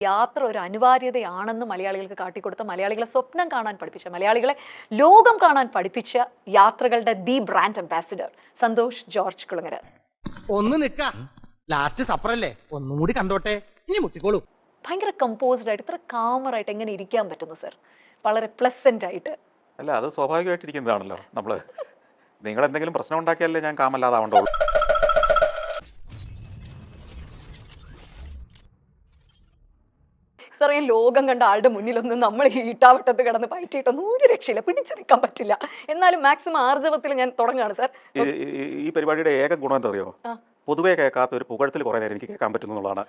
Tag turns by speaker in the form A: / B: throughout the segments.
A: യാത്ര ഒരു അനിവാര്യതയാണെന്ന് മലയാളികൾക്ക് കാട്ടിക്കൊടുത്ത, മലയാളികളെ സ്വപ്നം കാണാൻ പഠിപ്പിച്ച, മലയാളികളെ ലോകം കാണാൻ പഠിപ്പിച്ച യാത്രകളുടെ the brand ambassador Santosh George Kulangara.
B: ഒന്ന് നിക്ക, ലാസ്റ്റ് സപ്പറല്ലേ, ഒന്നും കൂടി കണ്ടോട്ടെ, ഇനി മുട്ടിക്കോളൂ.
A: ഭയങ്കര കമ്പോസ്ഡ് ആയിട്ട്, ഇത്ര കാമറായിട്ട് എങ്ങനെ ഇരിക്കാൻ പറ്റുന്നു സർ? വളരെ പ്ലസന്റ് ആയിട്ട്.
C: അല്ല, അത് സ്വാഭാവികമായിട്ടിരിക്കുന്നതാണല്ലോ. നിങ്ങൾ എന്തെങ്കിലും പ്രശ്നം ഉണ്ടാക്കിയാലേ ഞാൻ കാമല്ലാതാവണ്ടുള്ളൂ.
A: ഇത്രയും ലോകം കണ്ട ആളുടെ മുന്നിലൊന്നും നമ്മൾ ഈ ഇട്ടാവട്ടത്ത് കിടന്ന് പയറ്റിയിട്ടൊന്നും ഒരു രക്ഷയില്ല, പിടിച്ചു നിൽക്കാൻ പറ്റില്ല. എന്നാലും മാക്സിമം ആർജവത്തിൽ ഞാൻ തുടങ്ങുകയാണ് സാർ.
C: ഈ പരിപാടിയുടെ ഏക ഗുണം എന്താ അറിയോ? പൊതുവെ കേൾക്കാത്ത ഒരു പുകഴത്തിൽ കുറെ നേരം എനിക്ക് കേൾക്കാൻ പറ്റുന്നു എന്നുള്ളതാണ്.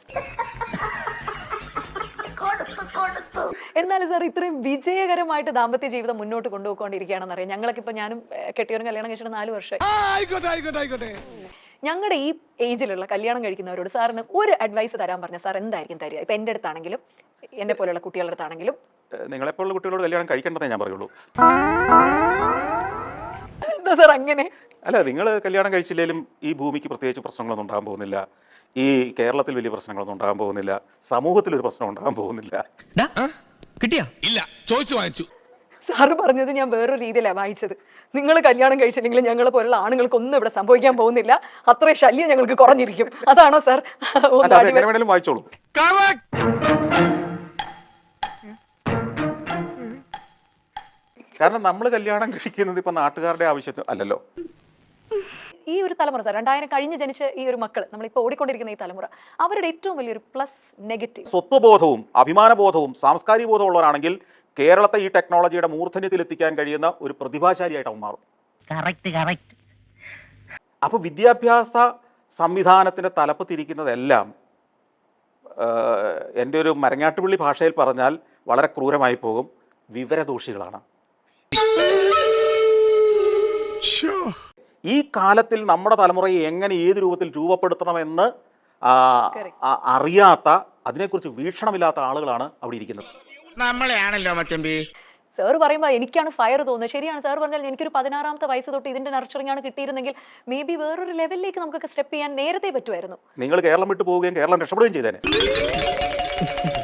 A: എന്നാലും സാർ ഇത്രയും വിജയകരമായിട്ട് ദാമ്പത്യ ജീവിതം മുന്നോട്ട് കൊണ്ടുപോയിക്കൊണ്ടിരിക്കുകയാണെന്ന് അറിയാം. ഞങ്ങളൊക്കെ ഇപ്പൊ ഞാനും കെട്ടിയവരും കല്യാണം കഴിച്ചിട്ട് 4 വർഷമായി. ഞങ്ങളുടെ ഈ ഏജിലുള്ള കല്യാണം കഴിക്കുന്നവരോട് സാറിന് ഒരു അഡ്വൈസ് തരാൻ പറഞ്ഞ സാർ എന്തായിരിക്കും തരിക? ഇപ്പൊ എൻ്റെ അടുത്താണെങ്കിലും എന്നെ പോലെയുള്ള കുട്ടികളുടെ അടുത്താണെങ്കിലും.
C: നിങ്ങളെപ്പോലുള്ള കുട്ടികളോട് കല്യാണം കഴിക്കേണ്ടതേ ഞാൻ പറയുള്ളൂ.
A: എന്താ സാർ അങ്ങനെ?
C: അല്ല, നിങ്ങൾ കല്യാണം കഴിച്ചില്ലെങ്കിലും ഈ ഭൂമിക്ക് പ്രത്യേകിച്ച് പ്രശ്നങ്ങളൊന്നും ഉണ്ടാകാൻ പോകുന്നില്ല. ഈ കേരളത്തിൽ വലിയ പ്രശ്നങ്ങളൊന്നും ഉണ്ടാകാൻ പോകുന്നില്ല. സമൂഹത്തിൽ ഒരു പ്രശ്നം ഉണ്ടാകാൻ പോകുന്നില്ല.
B: കിട്ടിയാ? ഇല്ല, ചോദിച്ചു വാങ്ങിച്ചു.
A: സാറ് പറഞ്ഞത് ഞാൻ വേറൊരു രീതിയിലാണ് വായിച്ചത്. നിങ്ങൾ കല്യാണം കഴിച്ചില്ലെങ്കിലും ഞങ്ങളെ പോലുള്ള ആണുങ്ങൾക്കൊന്നും ഇവിടെ സംഭവിക്കാൻ പോകുന്നില്ല, അത്രയും ശല്യം ഞങ്ങൾക്ക് കുറഞ്ഞിരിക്കും. അതാണോ സാർ?
C: വായിച്ചോളൂ. കാരണം നമ്മൾ കല്യാണം കഴിക്കുന്നത് ഇപ്പൊ നാട്ടുകാരുടെ ആവശ്യത്തിന് അല്ലല്ലോ.
A: ഈ ഒരു തലമുറ സാർ, 2000 കഴിഞ്ഞ് ജനിച്ച ഈ ഒരു മക്കൾ, നമ്മളിപ്പോൾ ഓടിക്കൊണ്ടിരിക്കുന്ന ഈ തലമുറ, അവരുടെ ഏറ്റവും വലിയൊരു പ്ലസ് നെഗറ്റീവ്
C: സ്വത്വബോധവും അഭിമാനബോധവും സാംസ്കാരിക ബോധവും ഉള്ളവരാണെങ്കിൽ കേരളത്തെ ഈ ടെക്നോളജിയുടെ മൂർധന്യത്തിൽ എത്തിക്കാൻ കഴിയുന്ന ഒരു പ്രതിഭാശാലിയായിട്ട് അവൻ മാറും. അപ്പൊ വിദ്യാഭ്യാസ സംവിധാനത്തിന്റെ തലപ്പത്തിരിക്കുന്നതെല്ലാം എൻ്റെ ഒരു മരങ്ങാട്ടുപള്ളി ഭാഷയിൽ പറഞ്ഞാൽ വളരെ ക്രൂരമായി പോകും, വിവരദോഷികളാണ്. ഈ കാലത്തിൽ നമ്മുടെ തലമുറയെ എങ്ങനെ ഏത് രൂപത്തിൽ രൂപപ്പെടുത്തണമെന്ന് അറിയാത്ത, അതിനെക്കുറിച്ച് വീക്ഷണമില്ലാത്ത ആളുകളാണ് അവിടെ ഇരിക്കുന്നത്.
B: നമ്മളെയാണല്ലോ മച്ചമ്പി.
A: സാർ പറയുമ്പോൾ എനിക്കാണ് ഫയർ തോന്നുന്നത്. ശരിയാണ് സാർ പറഞ്ഞാൽ, എനിക്കൊരു 16ാമത്തെ വയസ്സ് തൊട്ട് ഇതിന്റെ നർച്ചറിംഗ് ആണ് കിട്ടിയിരുന്നെങ്കിൽ മേ ബി വേറൊരു ലെവലിലേക്ക് നമുക്കൊക്കെ സ്റ്റെപ്പ് ചെയ്യാൻ നേരത്തെ പറ്റുമായിരുന്നു.
C: നിങ്ങൾ കേരളം വിട്ടു പോവുകയും കേരളം രക്ഷപ്പെടുകയും ചെയ്തേനെ.